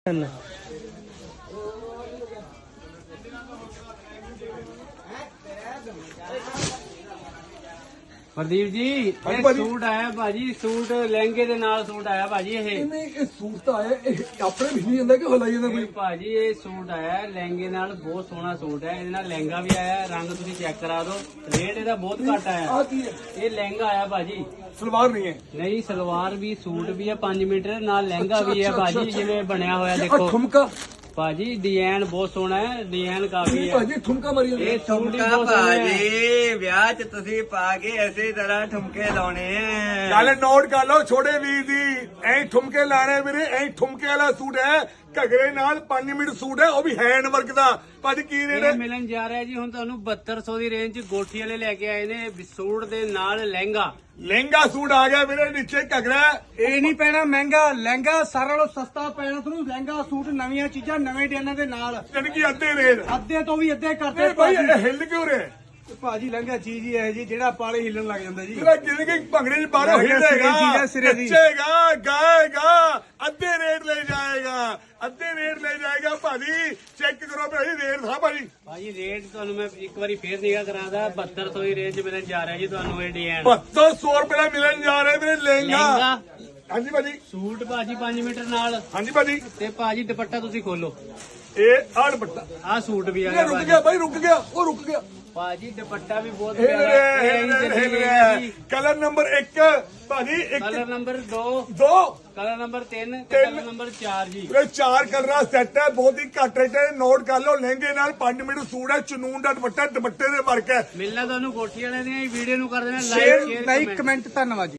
प्रदीप जी suit आया भाजी, suit लहंगे दे नाल सूट आया भाजी। ਇਹ ਸੂਟ ਤਾਂ ਆਇਆ ਆਪਣੇ ਵੀ ਨਹੀਂ ਜਾਂਦਾ ਕਿ ਹਲਾਈ ਜਾਂਦਾ ਕੋਈ भाजी ये सूट आया लहंगे नाल, बहुत सोहना सूट है। ਇਹਦੇ ਨਾਲ लहंगा भी आया, रंग ਤੁਸੀਂ चेक करा दो, रेट ਇਹਦਾ बहुत घट आया। ਆ ਕੀ ਹੈ ये लहंगा आया भाजी, ਸਲਵਾਰ ਨਹੀਂ ਹੈ नहीं सलवार भी सूट भी है 5 मीटर नाल लहंगा भी है अच्छा, भाजी अच्छा, जिवें बनया होया ਆ देखो ਠੁਮਕਾ भाजी। डिजाइन बहुत सोहना है, डिजाइन काफी है। ਭਾਜੀ ਠੁਮਕਾ ਮਾਰੀ ਜਾਂਦੇ ਇਹ सूट ही बहुत सोहना है। ਭਾਜੀ ਵਿਆਹ ਚ ਤੁਸੀਂ ਪਾ ਕੇ ਇਸੇ ਤਰ੍ਹਾਂ ਠੁਮਕੇ ਲਾਉਣੇ ਆ। ਗੱਲ ਨੋਟ ਕਰ ਲਓ ਛੋਟੇ ਵੀਰ ਦੀ, ਐਂ ਠੁਮਕੇ ਲਾਣੇ ਵੀਰੇ, ਐਂ ਠੁਮਕੇ ਵਾਲਾ ਸੂਟ ਹੈ ਘਗਰੇ ਨਾਲ 5 ਮਿੰਟ ਸੂਟ ਹੈ, ਉਹ ਵੀ ਹੈਂਡ ਵਰਕ ਦਾ। ਭਾਜੀ ਕੀ ਰੇਟ ਇਹ ਮਿਲਣ ਜਾ ਰਿਹਾ ਜੀ ਹੁਣ ਤੁਹਾਨੂੰ 7200 ਦੀ ਰੇਂਜ ਚ। ਗੋਠੀ ਵਾਲੇ ਲੈ ਕੇ ਆਏ ਨੇ ਸੂਟ ਦੇ ਨਾਲ ਲਹਿੰਗਾ। ਲਹਿੰਗਾ ਸੂਟ ਆ ਗਿਆ ਵੀਰੇ, ਨੀਚੇ ਘਗਰਾ। ਇਹ ਨਹੀਂ ਪੈਣਾ ਮਹਿੰਗਾ, ਲਹਿੰਗਾ ਸਾਰਾ ਨਾਲੋਂ ਸਸਤਾ ਪੈਣਾ ਤੁਹਾਨੂੰ। ਲਹਿੰਗਾ ਸੂਟ ਨਵੀਆਂ ਚੀਜ਼ਾਂ ਨਵੇਂ ਡਿਜ਼ਾਈਨਾਂ ਦੇ ਨਾਲ, ਜਾਣੀ ਕਿ ਅੱਧੇ ਰੇਟ। ਅੱਧੇ ਤੋਂ ਵੀ ਅੱਧੇ ਕਰਤੇ ਇਹ ਭਾਈ ਇਹ ਹਿੱਲ ਕਿਉਂ ਰਿਹਾ? ਭਾਜੀ ਲਹਿੰਗਾ ਚੀਜ਼ ਹੀ ਇਹ ਜੀ ਜਿਹੜਾ ਪਾਲੇ ਹਿੱਲਣ ਲੱਗ ਜਾਂਦਾ ਜੀ। ਜਿਹੜਾ ਜਿਵੇਂ ਕਿ ਭੰਗੜੇ ਚ ਬਾਹਰੋਂ ਸਿਰੇ ਦੀ ਹਿੱਲੇਗਾ, ਚੀਜ਼ ਹੈ, ਸਿਰੇ ਦੀ। ਨੱਚੇਗਾ, ਗਾਏਗਾ, ਅੱਧੇ ਰੇਟ ਲੈ ਜਾਏਗਾ, ਅੱਧੇ ਰੇਟ ਲੈ ਜਾਏਗਾ। ਭਾਜੀ ਚੈੱਕ ਕਰੋ ਭਾਜੀ ਰੇਟ ਥਾ ਭਾਜੀ। ਭਾਜੀ ਰੇਟ ਤੁਹਾਨੂੰ ਮੈਂ ਇੱਕ ਵਾਰੀ ਫੇਰ ਨਿਗਾ ਕਰਾਦਾ, 7200 ਦੀ ਰੇਂਜ ਮਿਲਣ ਜਾ ਰਿਹਾ ਜੀ ਤੁਹਾਨੂੰ ਇਹ ਡਿਜ਼ਾਈਨ। 7200 ਰੁਪਏ ਦਾ ਮਿਲਣ ਜਾ ਰਿਹਾ ਵੀਰੇ ਲਹਿੰਗਾ। ਲਹਿੰਗਾ ਹਾਂਜੀ ਭਾਜੀ, ਸੂਟ ਭਾਜੀ 5 ਮੀਟਰ ਨਾਲ। ਹਾਂਜੀ ਭਾਜੀ। ਤੇ ਭਾਜੀ ਦੁਪੱਟਾ ਤੁਸੀਂ ਖੋਲੋ, ਇਹ ਆਹ ਦੁਪੱਟਾ ਆਹ ਸੂਟ ਵੀ ਆ ਇਹ ਗਿਆ ਰੁਕ ਭਾਜੀ। ਗਿਆ ਭਾਈ, ਰੁਕ ਗਿਆ, ਉਹ ਰੁਕ ਗਿਆ। ਭਾਜੀ ਦੁਪੱਟਾ ਵੀ ਬਹੁਤ ਹਿੱਲ ਪਿਆਰਾ ਰਿਹਾ, ਹੈ। ਹਿੱਲ ਰਿਹਾ, ਹਿੱਲ ਰਿਹਾ। ਕਲਰ ਨੰਬਰ 1 ਭਾਜੀ, ਕਲਰ 1 ਨੰਬਰ 2, 2 ਕਲਰ ਨੰਬਰ 3 ਤੇ ਤਿੰਨ। ਕਲਰ ਨੰਬਰ 4 ਜੀ। ਇਹ 4 ਕਲਰਾਂ ਸੈੱਟ ਹੈ, ਬਹੁਤ ਹੀ ਘੱਟ ਰੇਟ ਹੈ। ਨੋਟ ਕਰ ਲਓ, ਲਹਿੰਗੇ ਨਾਲ 5 ਮੀਟਰ ਸੂਟ ਹੈ, ਚਨੂਨ ਦਾ ਦੁਪੱਟਾ, ਦੁਪੱਟੇ ਦੇ ਵਰਕ ਹੈ। ਮਿਲਣਾ ਤੁਹਾਨੂੰ ਕੋਠੀ ਵਾਲੇ ਦੀਆਂ ਵੀਡੀਓ ਨੂੰ ਕਰ ਦੇਣਾ ਸ਼ੇਅਰ ਲਾਈਕ ਲਾਈਕ ਕਮੈਂਟ ਧੰਨਵਾਦ ਜੀ।